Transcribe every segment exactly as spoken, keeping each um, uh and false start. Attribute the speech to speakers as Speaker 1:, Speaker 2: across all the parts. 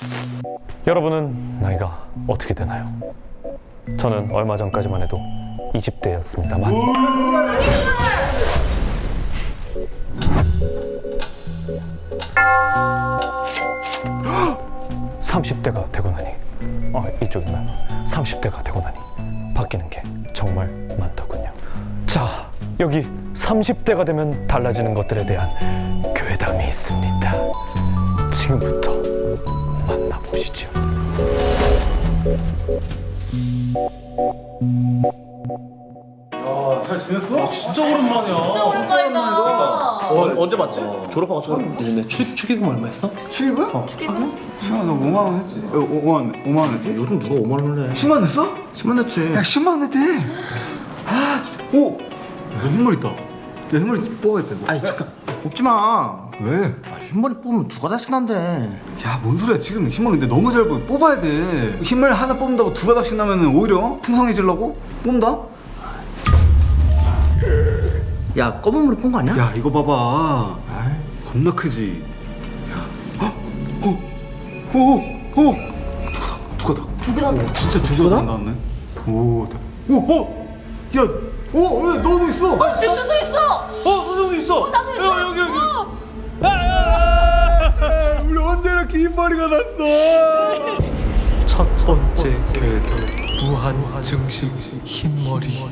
Speaker 1: 여러분은 나이가 어떻게 되나요? 저는 얼마 전까지만 해도 이십 대였습니다만 삼십 대가 되고 나니 아 이쪽이나요? 삼십 대가 되고 나니 바뀌는 게 정말 많더군요. 자, 여기 삼십 대가 되면 달라지는 것들에 대한 괴담이 있습니다. 지금부터 만나보시죠.
Speaker 2: 야, 잘 지냈어?
Speaker 3: 진짜 오랜만이야.
Speaker 4: 진짜 오랜만이다.
Speaker 2: 어, 언제 봤지? 졸업하고 처음.
Speaker 3: 요즘에 추, 축의금 얼마 했어?
Speaker 2: 축의금? 어, 축의금? 시간 너 오만 원 했지? 어, 오만 원, 오만 원 했지?
Speaker 3: 요즘 누가 오만 원을 해?
Speaker 2: 십만 원 했어?
Speaker 3: 십만 냈지.
Speaker 2: 야, 십만 원 했대. 아, 진짜. 오! 너 흰머리 있다. 야, 흰머리 뽑아야 돼. 뭐.
Speaker 3: 아니 잠깐 뽑지 마.
Speaker 2: 왜?
Speaker 3: 아, 흰머리 뽑으면 누가 다시 난대.
Speaker 2: 야, 뭔 소리야. 지금 흰머리 근데 너무 잘 보여. 뽑아야 돼. 흰머리 하나 뽑는다고 두 가닥씩 나면 오히려 풍성해지려고? 뽑는다?
Speaker 3: 야 검은 머리 뽑은 거 아니야?
Speaker 2: 야, 이거 봐봐. 겁나 크지? 야, 어? 어? 오! 오! 두 가닥, 두 가닥.
Speaker 4: 두 개나
Speaker 2: 진짜 두 가닥 나왔네. 오, 대- 오, 어, 야, 오, 왜 너도 있어?
Speaker 4: 뒷수도 있어.
Speaker 2: 어, 너도 있어.
Speaker 4: 나도 있어.
Speaker 2: 여기 여기.
Speaker 4: 어.
Speaker 2: 아, 우리 언제 이렇게 흰 머리가 났어?
Speaker 5: 첫 번째 궤도 무한 증식 흰머리.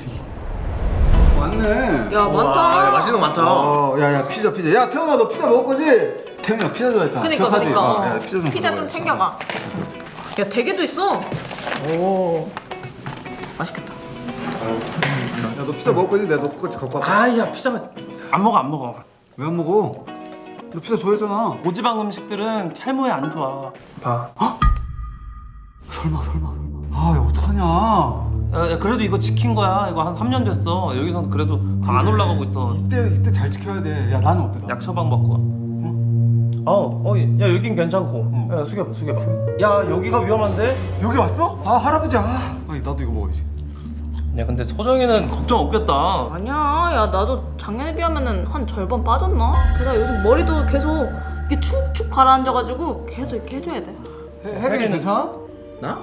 Speaker 2: 맞네.
Speaker 4: 야 많다.
Speaker 3: 야, 맛있는 거 많다.
Speaker 2: 어, 야, 야, 피자, 피자. 야, 태훈아, 너 피자 먹을 거지? 태훈이가 피자 좋아했잖아.
Speaker 4: 그니까
Speaker 2: 기억하지?
Speaker 4: 그니까.
Speaker 2: 어, 야, 피자 좀.
Speaker 4: 피자 좀
Speaker 2: 먹어야지.
Speaker 4: 챙겨가. 야 대게도 있어. 오. 맛있겠다.
Speaker 2: 야, 너 피자 먹을 거지? 내가 너 거지 갖고 왔다.
Speaker 3: 아야 피자가 안 먹어 안 먹어.
Speaker 2: 왜 안 먹어? 너 피자 좋아했잖아.
Speaker 6: 고지방 음식들은 탈모에 안 좋아. 봐.
Speaker 2: 설마, 설마, 설마. 아, 야, 어떡하냐?
Speaker 6: 야, 야, 그래도 이거 지킨 거야. 이거 한 삼 년 됐어. 여기선 그래도 다 안 올라가고 있어.
Speaker 2: 이때, 이때 잘 지켜야 돼. 야, 나는 어때? 나?
Speaker 6: 약 처방 받고. 어, 어, 야 여긴 괜찮고. 야 숙여봐, 숙여봐. 야 여기가 위험한데?
Speaker 2: 여기 왔어? 아, 할아버지. 아, 아니, 나도 이거 먹어야지.
Speaker 6: 야 근데 소정이는 걱정 없겠다.
Speaker 4: 아니야. 야 나도 작년에 비하면은 한 절반 빠졌나? 게다가 요즘 머리도 계속 이렇게 축축 가라앉아가지고 계속 이렇게 해줘야 돼.
Speaker 2: 혜린이 괜찮아?
Speaker 3: 나?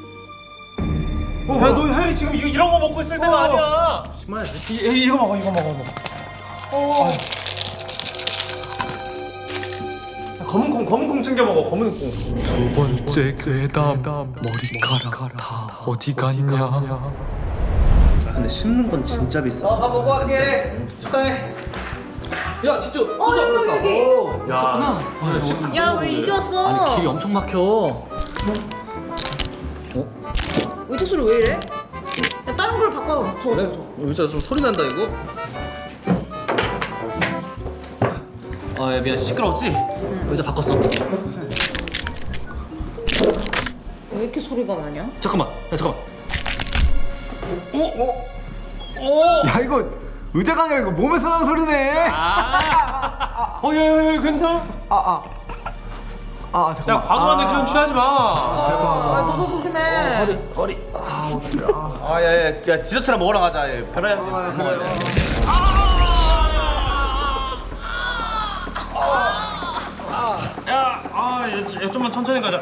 Speaker 2: 어,
Speaker 6: 야 너 혜리 지금 이, 이런 거 먹고 있을 때가
Speaker 2: 어.
Speaker 6: 아니야.
Speaker 3: 심하지.
Speaker 6: 이, 이, 이거 먹어, 이거 먹어, 먹어.
Speaker 4: 어.
Speaker 6: 야, 검은 콩, 검은 콩 챙겨 먹어, 검은 콩.
Speaker 5: 두 번째 괴담 머리카락 다 어디 갔냐.
Speaker 3: 아, 근데 씹는 건 진짜 비싸.
Speaker 6: 밥 먹고 갈게. 축하해. 야 뒷쪽.
Speaker 4: 어 여기 여기.
Speaker 6: 야,
Speaker 4: 야 왜 이제 왔어?
Speaker 6: 길이 엄청 막혀.
Speaker 4: 의자 소리 왜 이래? 야 다른 걸로 바꿔. 더
Speaker 6: 그래?
Speaker 4: 더 더.
Speaker 6: 의자 좀 소리 난다 이거. 아, 야, 미안 시끄러웠지? 의자 바꿨어.
Speaker 4: 왜 이렇게 소리가 나냐?
Speaker 6: 잠깐만, 야 잠깐만.
Speaker 2: 야, 이거 의자가 아니라 이거 몸에서 나는 소리네.
Speaker 6: 아, 어, 야, 야, 야, 괜찮아?
Speaker 2: 아, 아. 아,
Speaker 6: 야,
Speaker 2: 잠깐만.
Speaker 6: 과도한 액션 취하지 마.
Speaker 4: 아 너도 조심해.
Speaker 6: 허리, 허리.
Speaker 3: 아 야야 야, 디저트나 먹으러 가자. 얘.
Speaker 6: 그래, 먹어야지. 야, 아, 얘, 얘 좀만 천천히 가자.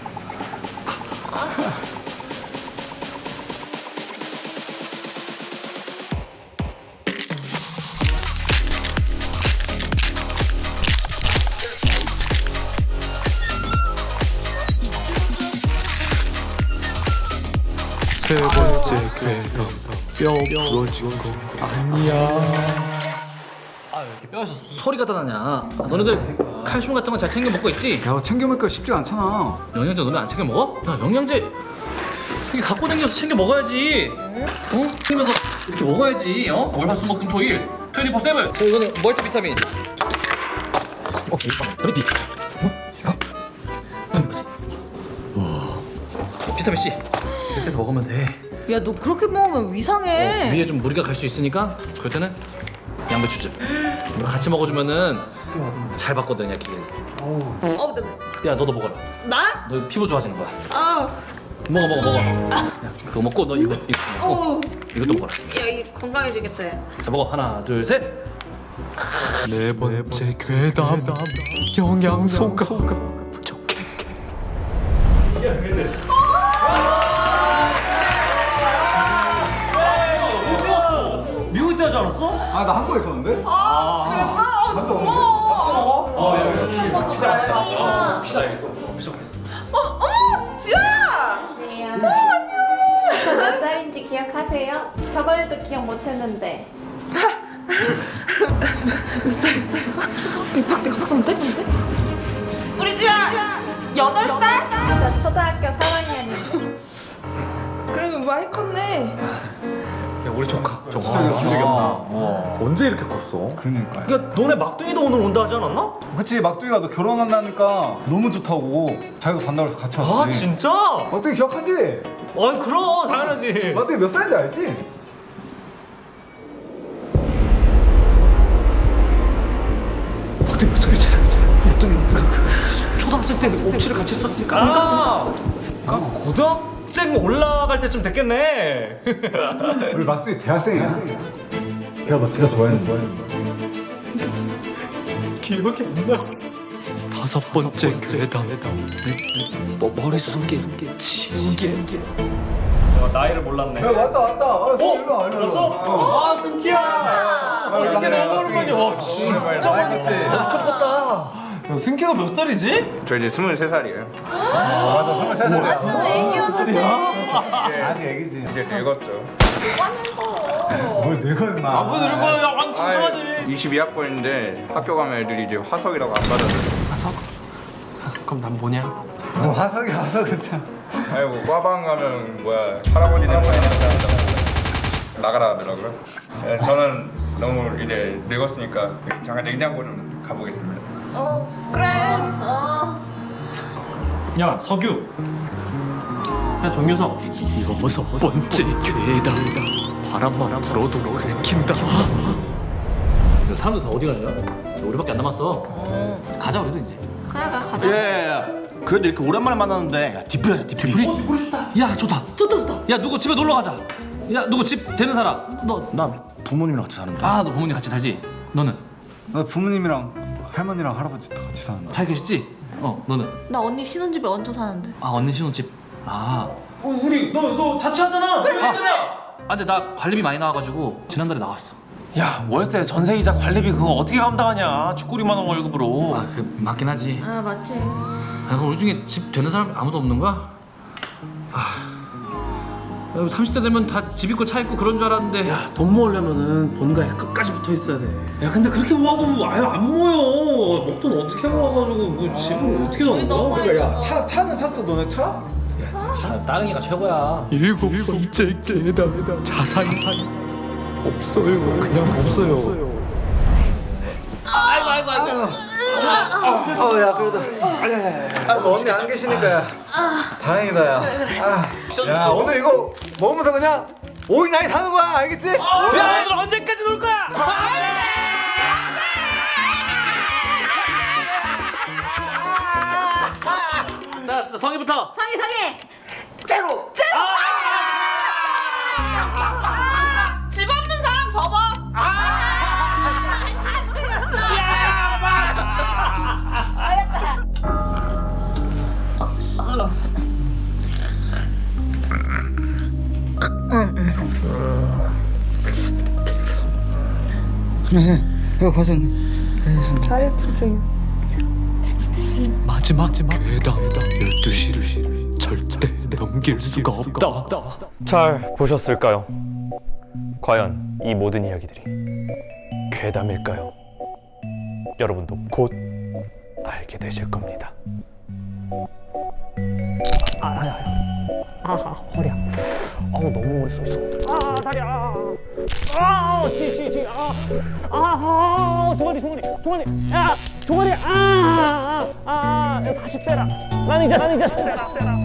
Speaker 5: 세 번째 괴담 뼈 부러진 거 아니야.
Speaker 7: 아 왜 이렇게 뼈에서 소리가 다 나냐? 아, 너네들 칼슘 같은 건 잘 챙겨 먹고 있지?
Speaker 2: 야, 챙겨 먹기가 쉽지가 않잖아.
Speaker 7: 영양제 너네 안 챙겨 먹어? 야 영양제 이게 갖고 다녀서 챙겨 먹어야지. 어? 챙기면서 이렇게 먹어야지. 어? 월화수목금토일 이십사 세븐. 저 이거는 멀티비타민. 어, 그래비. 어? 이거? 어, 이거지. 와. 비타민 C. 이렇게 해서 먹으면 돼.
Speaker 4: 야 너 그렇게 먹으면 위상해.
Speaker 7: 어, 위에 좀 무리가 갈 수 있으니까 그럴 때는 양배추즙 이거 같이 먹어주면은 잘 받거든 야 기계.
Speaker 4: 어, 나,
Speaker 7: 야 너도 먹어라.
Speaker 4: 나?
Speaker 7: 너 피부 좋아지는 거야.
Speaker 4: 아,
Speaker 7: 먹어 먹어 먹어. 야, 그거 먹고 너 이거 이거 먹고
Speaker 4: 어,
Speaker 7: 이것도 먹어라.
Speaker 4: 야, 이 건강해지겠다. 야.
Speaker 7: 자 먹어 하나 둘 셋.
Speaker 5: 네 번째 괴담 영양소가 부족해.
Speaker 6: 섭섭했어.
Speaker 8: 어머 지아야.
Speaker 4: 네, 저 몇 살인지 기억하세요? 저번에도 기억 못했는데.
Speaker 8: 몇 살이었지? 초등학교 입학 때 갔었는데? 우리 지아 여덟 살?
Speaker 4: 저 초등학교 삼 학년이에요.
Speaker 8: 그래도 많이 컸네.
Speaker 6: 야 우리 조카. 조카.
Speaker 2: 진짜
Speaker 6: 진짜 귀엽다.
Speaker 2: 와.
Speaker 6: 언제 이렇게 컸어?
Speaker 2: 그니까.
Speaker 6: 야 너네 막둥이도 오늘 온다 하지 않았나?
Speaker 2: 그치 막둥이가 너 결혼한다니까 너무 좋다고 자기도 간다고 해서 같이
Speaker 6: 아
Speaker 2: 왔지.
Speaker 6: 진짜?
Speaker 2: 막둥이 기억하지?
Speaker 6: 아니 그럼 당연하지.
Speaker 2: 막둥이 몇 살인지 알지?
Speaker 6: 막둥이 몇 살이지? 막둥이 그, 그, 그, 초등학생 때 옵치를 같이 했었으니까. 아, 아 고등학생 올라갈 때쯤 됐겠네.
Speaker 2: 우리 막둥이 대학생이야. 걔가 너 진짜 좋아했는데.
Speaker 6: 기억이 안 나.
Speaker 5: 다섯 번째 괴담 내 머- 머릿속에 지우개
Speaker 6: 야, 나이를 몰랐네.
Speaker 2: 야 왔다 왔다. 아,
Speaker 6: 어?
Speaker 2: 일로 와, 일로 와.
Speaker 6: 벌써? 아 승기야. 아 승기 너무 오랜만이야. 와 진짜
Speaker 2: 알겠지?
Speaker 6: 엄청 컸다. 야, 승기가 몇 살이지?
Speaker 3: 저 이제 스물세 살이에요.
Speaker 2: 아, 맞아 스물세 살이야. 아직 애기지.
Speaker 3: 이제 늙었죠.
Speaker 2: 뭘 늙어 임마.
Speaker 6: 아뭐 이런 거야 왕 청청하지.
Speaker 3: 이십이 학번인데 학교 가면 애들이 이제 화석이라고 안 받아줘요.
Speaker 6: 화석? 그럼 난 뭐냐?
Speaker 2: 뭐 화석이 화석은 참.
Speaker 3: 아이고 과방 가면 뭐야 할아버지네 많이 된다 나가라 하더라고요. 예, 저는 너무 이제 늙었으니까 잠깐 냉장고 좀 가보겠습니다.
Speaker 4: 어, 그래. 어.
Speaker 6: 야 서규. 야 정유석.
Speaker 5: 여섯 번째 괴담 바람만 불어도 긁힌다
Speaker 7: 사람들 다 어디 가냐? 우리밖에 안 남았어. 가자 우리도 이제.
Speaker 4: 그래, 그래, 가자.
Speaker 3: 예예예. 그래도 이렇게 오랜만에 만났는데 야, 디프리야 디프리.
Speaker 7: 어, 우리 좋다. 야 좋다. 좋다 좋다. 야 누구 집에 놀러 가자. 야 누구 집 되는 사람? 너.
Speaker 3: 나 부모님이랑 같이 사는데.
Speaker 7: 아 너 부모님 같이 살지? 너는
Speaker 2: 나 부모님이랑 할머니랑 할아버지 다 같이 사는데.
Speaker 7: 잘 계시지? 어 너는?
Speaker 4: 나 언니 신혼집에 얹혀 사는데.
Speaker 7: 아 언니 신혼집. 아.
Speaker 6: 어, 우리 너 너 자취하잖아. 그래.
Speaker 7: 아, 아 근데 나 관리비 많이 나와가지고 지난달에 나왔어.
Speaker 6: 야 월세 전세이자 관리비 그거 어떻게 감당하냐? 죽구리만 원 월급으로.
Speaker 7: 아 그 맞긴 하지.
Speaker 4: 아, 맞지.
Speaker 7: 아 그럼 우리 중에 집 되는 사람 아무도 없는 거야? 아. 야, 삼십 대 되면 다 집 있고 차 있고 그런 줄 알았는데.
Speaker 6: 야, 돈 모으려면은 본가에 끝까지 붙어 있어야 돼. 야, 근데 그렇게 모아도 아예 안 모여. 목돈 어떻게 모아가지고 뭐 집을 어떻게 사는
Speaker 4: 너무
Speaker 6: 거야?
Speaker 4: 많이
Speaker 2: 야, 차 차는 샀어 너네 차?
Speaker 7: 아, 따릉이가 최고야.
Speaker 5: 일곱 번째 괴담 자산 없어요 그냥 없어요
Speaker 2: 어, 야 그래도. 아, 너 언니 안 계시니까 야. 다행이다 야. 아, 야 오늘 이거 먹으면서 그냥 오일 나이 사는 거야, 알겠지?
Speaker 6: 야, 오늘 언제까지 놀 거야?
Speaker 7: 자 성희부터.
Speaker 4: 상해, 상해.
Speaker 8: 제로. 제로. 집 없는 사람 접어.
Speaker 5: 마지막 괴담 열두 시를 절대 넘길 수가 없다
Speaker 1: 잘 보셨을까요? 과연 이 모든 이야기들이 괴담일까요? 여러분도 곧 알게 되실 겁니다. 아, 아, 아, 아, 아 허리야. 아우 너무 오래 서 있었는데. 아 다리야. 아, 지, 지, 지. 아, 아, 아, 종아리, 종아리, 종아리. 야, 종아리. 아, 아, 아, 아, 다시 빼라. 난 이제, 난 이제 빼라, 빼라.